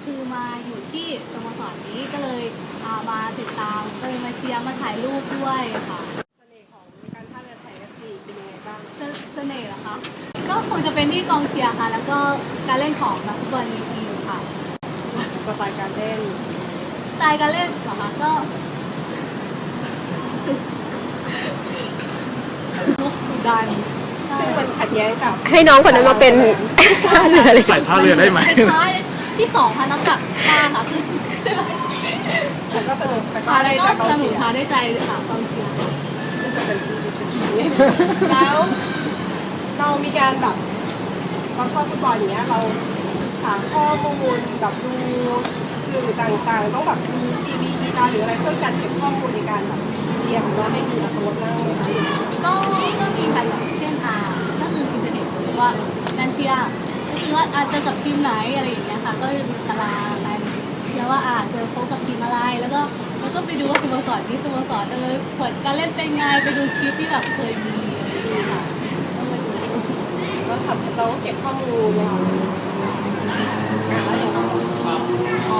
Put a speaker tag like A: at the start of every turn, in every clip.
A: คือมาอยู่ที่สโมสรนี้ก็เลยมาติดตามก็เลยมาเชียร์มาถ่ายรูปด้วยค่ะ
B: เสน่ห์ของการท่าเรือไทย FC เป็นยังไงบ้าง
A: เสน่ห์เหรอคะก็คงจะเป็นที่กองเชียร์ค่ะแล้วก็การเล่นของนักฟุตบอลในทีมค่ะ
B: สไตล์การเล่น
A: สไตล์การเล่นเหรอคะก็ลุกดัน
B: ซึ่งมันขัดแย้งกับ
C: ให้น้องคนนั้นมาเป็นท่าเรือเลย
D: ใส่ท่าเรือได้ไหม
A: ท้ายที่สองค่ะนับจากท่าค่ะใช่ไหม
B: แต่ก็สนุกแต่ก็
A: ได้
B: จากกอง
A: สนุก
B: เชียร์
A: ค่ะได้ใจค่ะกองเชียร์
B: ซึ่งเป็นที่แล้วเรามีการแบบเราชอบฟุตบอลอย่างเงี้ยเราศึกษาข้อมูลแบบดูสื่อต่างๆต้องแบบดูทีวีกีฬาหรืออะไรเพื่อการเก็บข้อมูลในการแบบเชียร์ของเราให้มีอัตลักษณ์มากเลย
A: ก็มีค่ะอย่างเช่นก็คืออินเทอร์เน็ตหรือว่าการเชียร์ก็คือว่าเจอกับทีมไหนอะไรอย่างเงี้ยค่ะก็ดูตารางการเชียร์ว่าเจอพบกับทีมอะไรแล้วก็ไปดูว่าสโมสรนี้สโมสรผลการเล่นเป็นไงไปดูคลิปที่แบบเคยมีอะไรอย่างเงี้ยค่ะก็ไปดู
B: เราเก็บข้อมูลแล้วอย่าง
D: ก็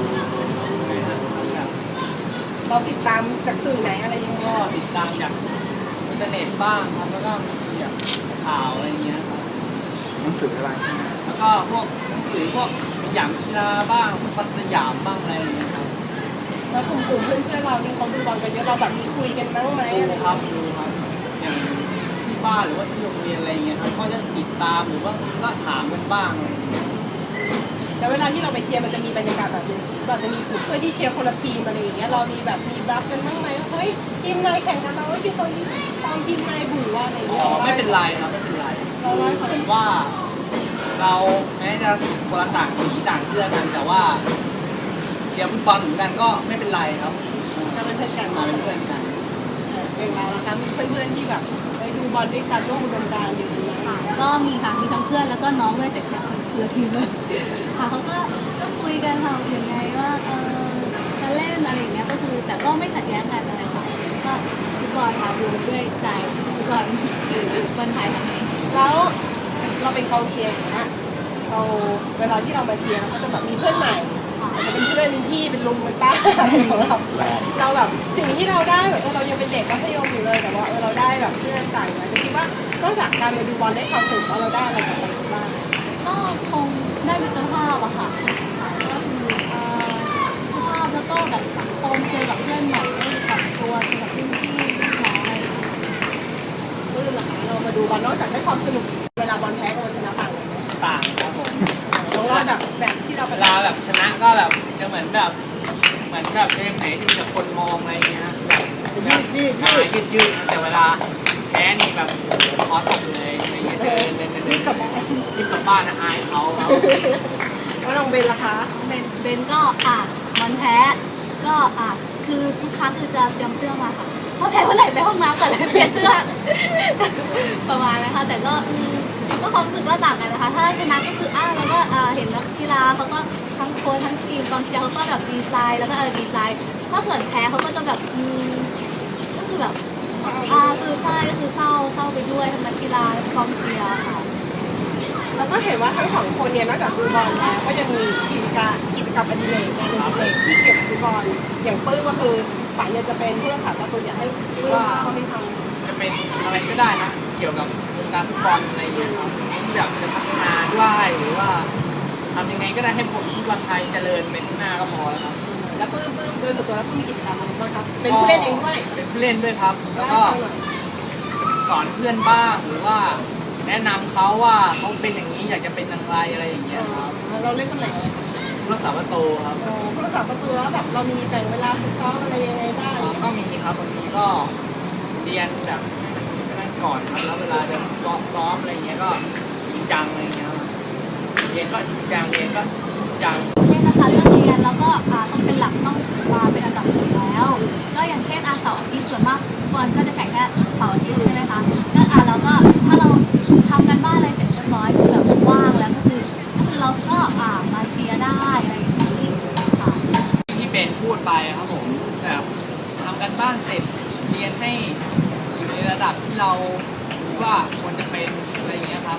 B: เราติดตามจากสื่อไหนอะไรยังไง
E: ก็ติดตามจากอินเทอร์เน็ตบ้างครับแล้วก็จากข่าวอะไรเงี้ยครับ
D: หนังสืออะไร
E: แล้วก็พวกหนังสือพวกอย่างกีฬาบ้างพวกฟันสยามบ้างอะไรเงี้ยครับ
B: แล้วกลุ่มเพื่อนเรานี่เขาดูบอลกันเยอะเราแบบมีคุยกันบ้างไหม
E: ดูครับอย่างที่บ้านหรือว่าที่โรงเรียนอะไรเงี้ยครับก็จะติดตามหรือว่าก็ถามกันบ้างอะไรเงี้ย
B: แล้วเวลาที่เราไปเชียร์มันจะมีบรรยากาศแบบนี้เราจะมีกลุ่มเพื่อนที่เชียร์คนละทีมอะไรอย่างเงี้ยเรามีแบบมีบัฟกันบ้างไหมเฮ้ยทีมนายแข่งกันเราทีมตัวนี้ตามทีมนายบุ๋ว่าอะไรอย่างเงี้ย
E: ไม่เป็นไรครับไม่เป็นไรผมว่าเราแม้จะคนละต่างสีต่างเสื้อกันแต่ว่าเชียร์ฟุตบอลเหมือนกันก็ไม่เป็นไรครับ
B: เราเป็นเพื่อนกัน
E: มาเป็นเพื่อนกัน
B: อย่างเรานะคะมีเพื่อนๆที่แบบไปดูบอลด้วยกันร่วมอุดมการณ์อยู่
A: ค่ะก็มีค่ะมีทั้งเพื่อนแล้วก็น้องด้วยแต่เชียร์คนละทีมเลยค่ะเขาก็คุยกันค่ะอย่างไงว่าจะเล่นอะไรอย่างเงี้ยก็คือแต่ก็ไม่ขัดแย้งกันอะไรค่ะก็ฟุตบอลค่ะดูด้วยใจฟุตบอลบอลไทยค่ะ
B: แล้วเราเป็นกองเชียร์อย่างเงี้ยเราเวลาที่เรามาเชียร์เราก็จะแบบมีเพื่อนใหม่อาจจะเป็นเพื่อนเป็นพี่เป็นลุงเป็นป้าของเราแบบสิ่งที่เราได้แบบเรายังเป็นเด็กมัธยมอยู่เลยแต่ว่าเราได้แบบเพื่อนต่างกันคิดว่านอกจากการไปดูบอลได้ความสนุกแล้วเราได้อะไรกลับไปบ้าง
A: ก็คงได้มิตรภาพอะค่ะก็คือมิตรภาพแล้วก็แบบสังคมเจอกับเพื่อนใหม่ได้กับตัวเจอกับพี่พี่น้องอะไร
B: ลื่นหรอเรามาดูบอลนอกจากได้ความสนุกเวลาบอลแพ้กับชนะต่างกัน
E: ต่างครับผม
B: เราแบบที่เรา
E: เวลาแบบชนะก็แบบจะเหมือนแบบเกมไหนที่มีแต่คนมองอะไรเงี้ยแบบยืดแต่เวลาแพ้นี่แบบคอตกเลยอะไรเงี้ยเดินกลับบ้านนะอายเขาครับ
B: แล้วน้องเบนล่ะคะ
A: เบนก็มันแพ้ก็คือทุกครั้งคือจะเตรียมเสื้อมาค่ะเพราะแพ้เมื่อไหร่ไปห้องน้ำก่อนเลยเปลี่ยนเสื้อประมาณนะคะแต่ก็ความรู้สึกก็ต่างกันนะคะถ้าชนะก็คือแล้วก็เห็นนักกีฬาเขาก็ทั้งโค้ชทั้งทีมกองเชียร์เขาก็แบบดีใจแล้วก็ดีใจถ้าส่วนแพ้เขาก็จะแบบก็คือแบบคือใช่ก็คือเศร้าไปด้วยทั้งนักกีฬากองเชียร์ค่ะ
B: แล้วก็เห็นว่าทั้งสองคนเนี่ยนอกจากดูบอลแล้วก็ยังมีกิจกรรมอดิเรกงานอดิเรกที่เกี่ยวกับฟุตบอลอย่างปื้มก็คือฝันเนี่ยจะเป็นผู้รักษาประตูอยากให้ปื้มเขาไม่ท
E: ำจะเป็นอะไรก็ได้นะเกี่ยวกับวงการฟุตบอลอะไรอย่างเงี้ยครับที่แบบจะพัฒนาด้วยหรือว่าทำยังไงก็ได้ให้ฟุตบอลไทยเจริญเป็นหน้าก็พอแล้วครับ
B: แล้วปื้มโดยส่วนตัวแล้วปื้มมีกิจกรรมอะไรบ้างครับเป็นผู้เล่นเองด้วย
E: เป็นผู้เล่นด้วยครับแล้วก็สอนเพื่อนบ้างหรือว่าแนะนำเขาว่าเขาเป็นอย่างนี้อยากจะเป็นอย่างไรอะไรอย่างเงี้ยครับ
B: เราเล่นตำแหน่งอะไร
E: ผู้รักษาประตูครับ
B: ผู้รักษาประตูแล้วแบบเรามีแบ่งเวลาฝึกซ้อมอะไรยังไงบ้าง
E: ก็มีครับบางทีก็เรียนแบบนั่นก่อนครับแล้วเวลาจะซ้อมอะไรเงี้ยก็จริงจังอะไรเงี้ยเรียนก็จริงจังเรียนก็จริงจัง
A: เช่นนะคะเรื่องเรียนแล้วก็ต้องเป็นหลักต้องมาเป็นอันดับหนึ่งแล้วก็อย่างเช่นเสาร์อาทิตย์ส่วนมากบอลก็จะแข่งแค่เสาร์อาทิตย์ใช่ไหมคะก็แล้วก็ถ้าเราทำกันบ้านอะไรเสร็จเรียบร้อยคือแบบว่างแล้วก็คือเราก็มาเชียร์ได้อะไรอย่างนี้ค่ะ
E: ที่เป็นพูดไปครับผมแบบทำกันบ้านเสร็จเรียนให้อยู่ในระดับที่เราคิดว่าควรจะเป็นอะไรอย่างเงี้ยครับ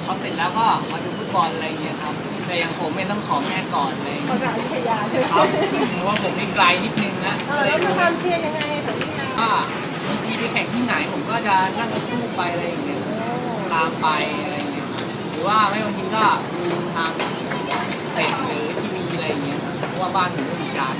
E: พอเสร็จแล้วก็มาดูฟุตบอลอะไรอย่างเงี้ยครับแต่อย่างผมเนี่ยต้องขอแม่ก่อนเลย
B: มาจากวิทยาใช่ไหม
E: ครับเพราะว่าผมนี่ไกลนิดนึงนะ
B: แล้วมาตามเชียร์ยังไงจากวิทยา
E: ก็บางทีไปแข่งที่ไหนผมก็จะนั่งรถตู้ไปอะไรอย่างเงี้ยตามไปอะไรอย่างเงี้ยหรือว่าไม่บางทีก็ดูทางเตะหรือทีวีอะไรอย่างเงี้ยเพราะว่าบ้านผมไม่มีจาน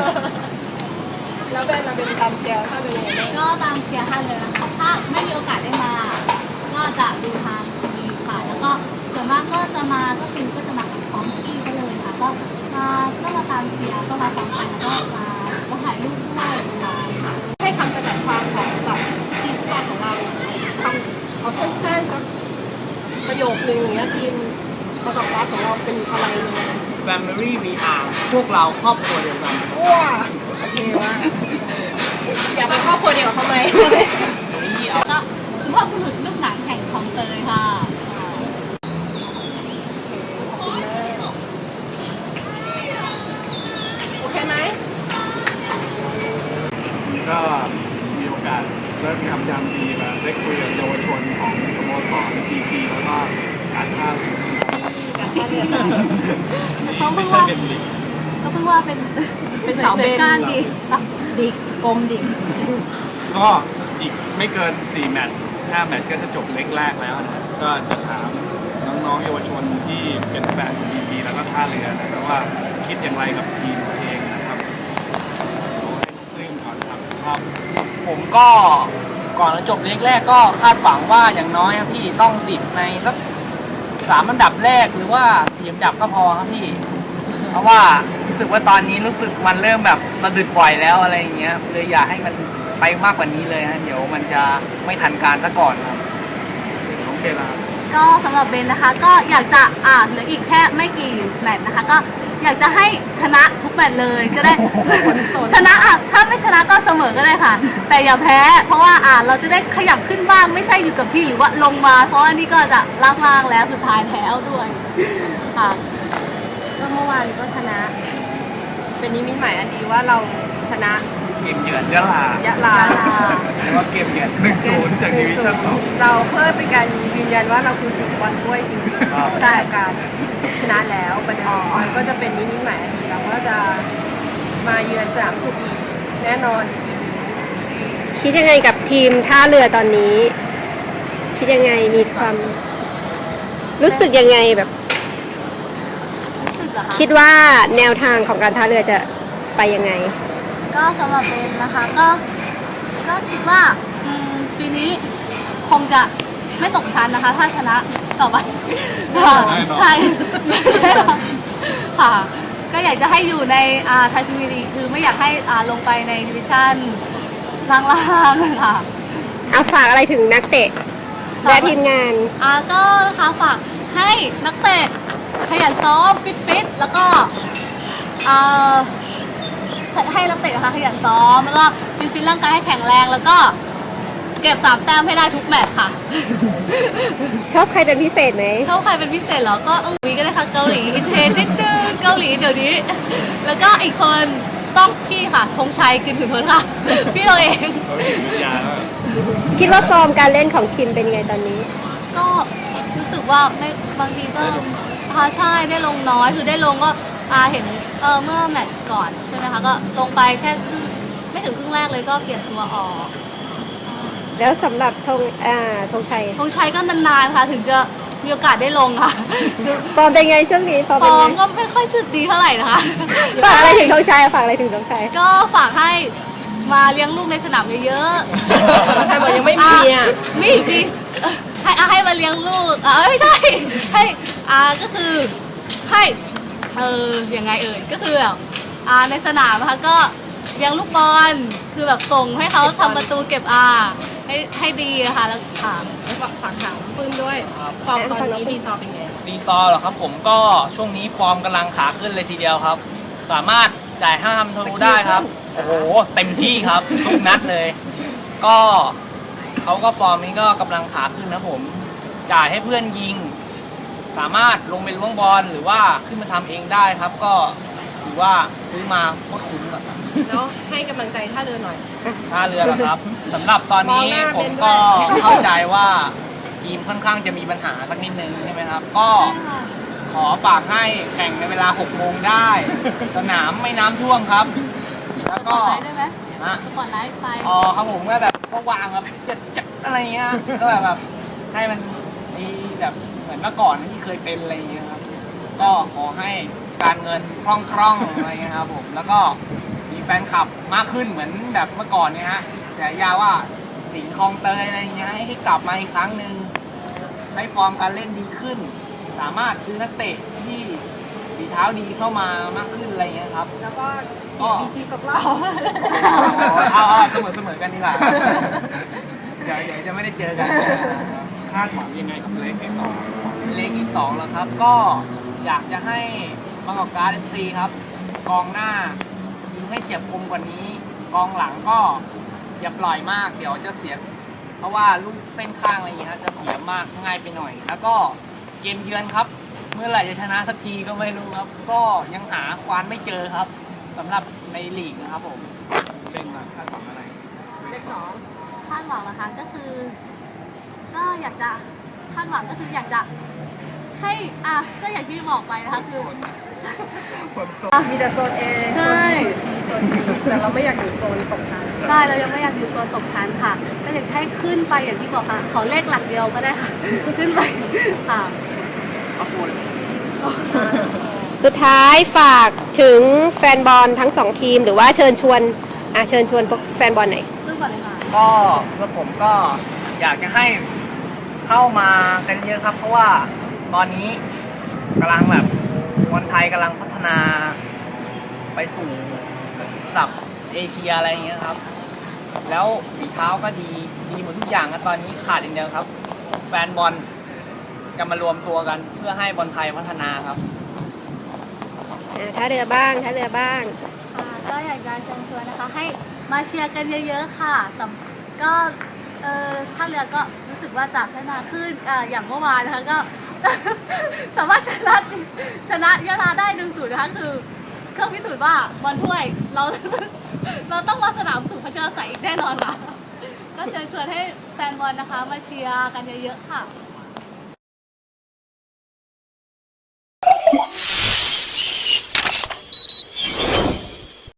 B: แล้วเป็นเราเป็นตามเชียร์ถ้าดูยังไงบ้าง
A: ก็ตามเชียร์ท่านเลยนะคะถ้าไม่มีโอกาสได้มา ก็จะดูทางทีวีค่ะ แล้วก็ส่วนมากก็จะมาก็คือก็จะมากับท้องที่ก็เลยค่ะก็มาตามเชียร์ก็มาฟังกันแล้วก็มาถ่ายรูปด้วยค่ะ
B: ให้คำจำกัดความของแบบทีมฟุตบอลของเราคำเอาสั้นๆสักประโยคนึงอย่างเงี้ยทีมประกอบรัฐของเราเป็นอะไรยังไง
E: Family VR พวกเราครอบครัวเดียวกัน
B: ว้าโอเคว่าอยากเป็นครอบครัวเดียวกับเขาไหม
E: นี่เอา
A: ก็สุภาพบุรุษลูกหนังแห่งคลองเตยค่ะ
B: ขอบคุณมากโอเคไหม
D: ก็มีโอกาสเริ่มทำยามดีมาได้คุยกับเยาวชนของสโมสรPGแล้วก็การท่าเรือ
A: เขาเพิ่
D: ไม่
A: ง
D: ใช่
A: ว่า
D: เป็นลีก
A: ก็เพิ่งว่าเป็นเสาเบนก้านดี
B: ดิกกลมดิก
D: ก็อีกไม่เกิน 4 แมตช์ 5 แมตช์ก็จะจบเล็กแรกแล้วนะก็จะถามน้องๆเยาวชนที่เป็นแฟน PG แล้วก็ท่าเรือนะครับว่าคิดอย่างไรกับทีมตัวเองนะครับเอาให้น้องปลื้มก่อนครับ
E: ผมก็ก่อนจะจบเล็กแรกก็คาดหวังว่าอย่างน้อยครับพี่ต้องติดในสัก3 อันดับแรกหรือว่า4 อันดับก็พอครับพี่ เพราะว่ารู้สึกว่าตอนนี้รู้สึกมันเริ่มแบบสะดุดบ่อยแล้วอะไรอย่างเงี้ยเลยอยากให้มันไปมากกว่านี้เลยฮะเดี๋ยวมันจะไม่ทันการซะก่อนครับ
D: น้องเบลา
A: ก็สำหรับเบนนะคะก็อยากจะเหลืออีกแค่ไม่กี่แมตช์นะคะก็อยากจะให้ชนะทุกแมตช์เลยจะได้ ชนะถ้าไม่ชนะก็เสมอก็ได้ค่ะ แต่อย่าแพ้เพราะว่าเราจะได้ขยับขึ้นบ้างไม่ใช่อยู่กับที่หรือว่าลงมา เพราะว่านี่ก็จะล่างๆแล้วสุดท้ายแล้วด้วยค่ะ
B: ก็เมื่อวานก็ชนะ เป็นนิมิตหมายอันดีว่าเราชนะ
E: เกมเยือนยะลาย
B: ะลา
E: หรือว่าเกมเยือน
D: 1-0 จากดิวิชั่น2
B: เราเพื่อเป็นการยืนยันว่าเราคือสิงห์บอลด้วยจริงๆ
E: ครับ
B: ใช่การชนะแล้วประเดิมมันก็จะเป็นนิมิตหมายอันดีเราก็จะมาเยือนสนามสุขอีกแน่นอน
C: คิดยังไงกับทีมท่าเรือตอนนี้ คิดยังไงมีความรู้สึกยังไงแบบ
A: รู้สึกเหรอคะ
C: คิดว่าแนวทางของการท่าเรือจะไปยังไง
A: ก็สำหรับเบนนะคะก็คิดว่าปีนี้คงจะไม่ตกชั้นนะคะ ถ้าชนะต่อไปค่ะใช่แน่นอนค่ะ ก็อยากจะให้อยู่ในไทยพรีเมียร์ลีกคือไม่อยากให้ลงไปในดิวิชั่นล่างๆค่ะ
C: เอาฝากอะไรถึงนักเตะและทีมงาน
A: ก็นะคะฝากให้นักเตะขยันซ้อมฟิตแล้วก็ให้นักเตะนะคะขยันซ้อมแล้วก็ฟิตร่างกายให้แข็งแรงแล้วก็เก็บ3 แต้มให้ได้ทุกแมตช์ค่ะ
C: ชอบใครเป็นพิเศษไหม
A: ชอบใครเป็นพิเศษเหรอก็วีก็ได้ค่ะเกาหลีอินเทรนนิดนึงเกาหลีเดี๋ยวนี้ แล้วก็อีกคนต้องพี่ค่ะธงชัยกึนผืนเพิร์ค่ะ พี่เราเอง
D: เขาเห็นวิทยาแล้ว
C: คิดว่าฟอร์มการเล่นของคิมเป็นยังไงตอนนี้
A: ก็รู้สึกว่าไม่บางทีก็ใช่ได้ลงน้อยคือได้ลงก็เห็นเมื่อแมตช์ก่อนใช่ไหมคะก็ลงไปแค่ไม่ถึงครึ่งแรกเลยก็เปลี่ยนตัวออก
C: แล้วสำหรับธงชัย
A: ธงชัยก็นานๆค่ะถึงจะมีโอกาสได้ลงค่ะ
C: ฟอร์มเป็นไงช่วงนี้ฟอร์ม
A: ฟ
C: เป็น
A: อ
C: ไง
A: ร์มก็ไม่ค่อยจะดีเท่าไหร่นะคะ
C: ฝากอะไรถึงธงชัยฝากอะไรถึงธงชัย
A: ก็ฝากให้มาเลี้ยงลูกในสนามเยอะๆ
B: ใครบอกยังไม่มีอ่ะ
A: มีให้มาเลี้ยงลูกไม่ใช่ให้ก็คือให้ยังไงก็คือแบบในสนามนะคะก็เลี้ยงลูกบอลคือแบบส่งให้เขาทำประตูเก็บให้ดีนะคะแล้วค่ะ
B: ฝากถามปื้มด้วยฟอร์มตอนนี้ดีซอเป็นไง
E: ดีซอร์เหรอครับผมก็ช่วงนี้ฟอร์มกำลังขาขึ้นเลยทีเดียวครับ สามารถจ่าย5 ทะลุได้ครับ โอ้โห เต็มที่ครับทุกนัดเลย ก็เขาก็ฟอร์มนี้ก็กำลังขาขึ้นนะผม จ่ายให้เพื่อนยิง สามารถลงไปล้วงบอลหรือว่าขึ้นมาทำเองได้ครับ ก็ถือว่าซื้อมาโคตรคุ้มอะครับ
B: แล้วให้กำลังใจท่าเรือหน่อย
E: ท่าเรือเหรอครับสำหรับตอนนี้
B: มองหน้า
E: ผม
B: เป็นด้วย
E: ก็เข้าใจว่าทีมค่อนข้างจะมีปัญหาสักนิดนึงใช่ไหมครับ ก็
A: ใช่ค่ะ
E: ขอฝากให้แข่งในเวลา 6 โมงได้ สนามไม่น้ำท่วมครับ แล้วก็
A: สปอตไลท์ได้ไหม
E: นะ
A: สปอตไลท์ไฟ
E: อ๋อครับผมก็แบบสว่างแบบจัดอะไรเงี้ยก็แบบให้มันมีแบบเหมือนเมื่อก่อนที่เคยเป็นอะไรเงี้ยครับ ก็ขอให้การเงินคล่องๆอะไรเงี้ยครับผมแล้วก็มีแฟนคลับมากขึ้นเหมือนแบบเมื่อก่อนเนี่ยฮะแต่ยาว่าสิงห์คลองเตยอะไรเงี้ยให้กลับมาอีกครั้งหนึ่งได้ฟอร์มการเล่นดีขึ้น สามารถซื้อนักเตะที่ฝีเท้าดีเข้ามามากขึ้นอะไรเงี้ยครับ
B: แล้วก็
E: ก็
B: บีจีกับเรา
E: เอาเสมอกันดีกว่าเดี๋ยวจะไม่ได้เจอกัน
D: คาดหวังยังไงกับเลขที่สอง
E: เลขที่2แล้วครับ ก็อยากจะให้บางกอกการ์ด FC ครับ กองหน้ายิงให้เฉียบคมกว่านี้ กองหลังก็อย่าปล่อยมาก เดี๋ยวจะเสีย เพราะว่าลูกเส้นข้างอะไรอย่างเงี้ยจะเสียมากง่ายไปหน่อย แล้วก็เกมเยือนครับ เมื่อไหร่จะชนะสักทีก็ไม่รู้ครับ ก็ยังหาควานไม่เจอครับสำหรับในลีกนะครับผม
D: เล่นมาคาดหวังอะไร
B: เลข
A: คาดหวังนะคะก็คือ ก็อยากจะคาดหวังก็คืออยากจะให้ก็อย่างที่บอกไปนะคะคือ
B: 2มีแต่โซน A
A: ใช่
B: โซน B โซน C แต่เราไม่อยากอยู่โซนตกชั้น
A: ใช่เรายังไม่อยากอยู่โซนตกชั้นค่ะ ก็อยากจะให้ขึ้นไปอย่างที่บอกค่ะขอเลขหลักเดียวก็ได้ค่ะ ขึ้นไปค่ะ
C: สุดท้ายฝากถึงแฟนบอลทั้งสองทีมหรือว่าเชิญชวนพวกแฟนบอลหน่อย
A: ขึ้นก่อนเลยค่ะ
E: ก็เพื่อผมก็อยากจะให้เข้ามากันเยอะครับ เพราะว่าตอนนี้กำลังแบบบอลไทยกำลังพัฒนาไปสู่ระดับเอเชียอะไรอย่างเงี้ยครับ แล้วฝีเท้าก็ดีหมดทุกอย่างครับตอนนี้ขาดอย่างเดียวครับ แฟนบอลจะมารวมตัวกันเพื่อให้บอลไทยพัฒนาครับ
C: ท่าเรือบ้าง
A: ก็อยากจะเชิญชวนนะคะ ให้มาเชียร์กันเยอะๆค่ะก็ท่าเรือก็รู้สึกว่าจะพัฒนาขึ้นอย่างเมื่อวานนะคะก็ สามารถชนะยะลาได้1-0นะคะคือเครื่องพิสูจน์ว่าบอลถ้วยเรา เราต้องมาสนามสุขพัชรศัยอีกแน่นอนค่ะ ก็เชิญชวนให้แฟนบอลนะคะ มาเชียร์กันเยอะๆค่ะ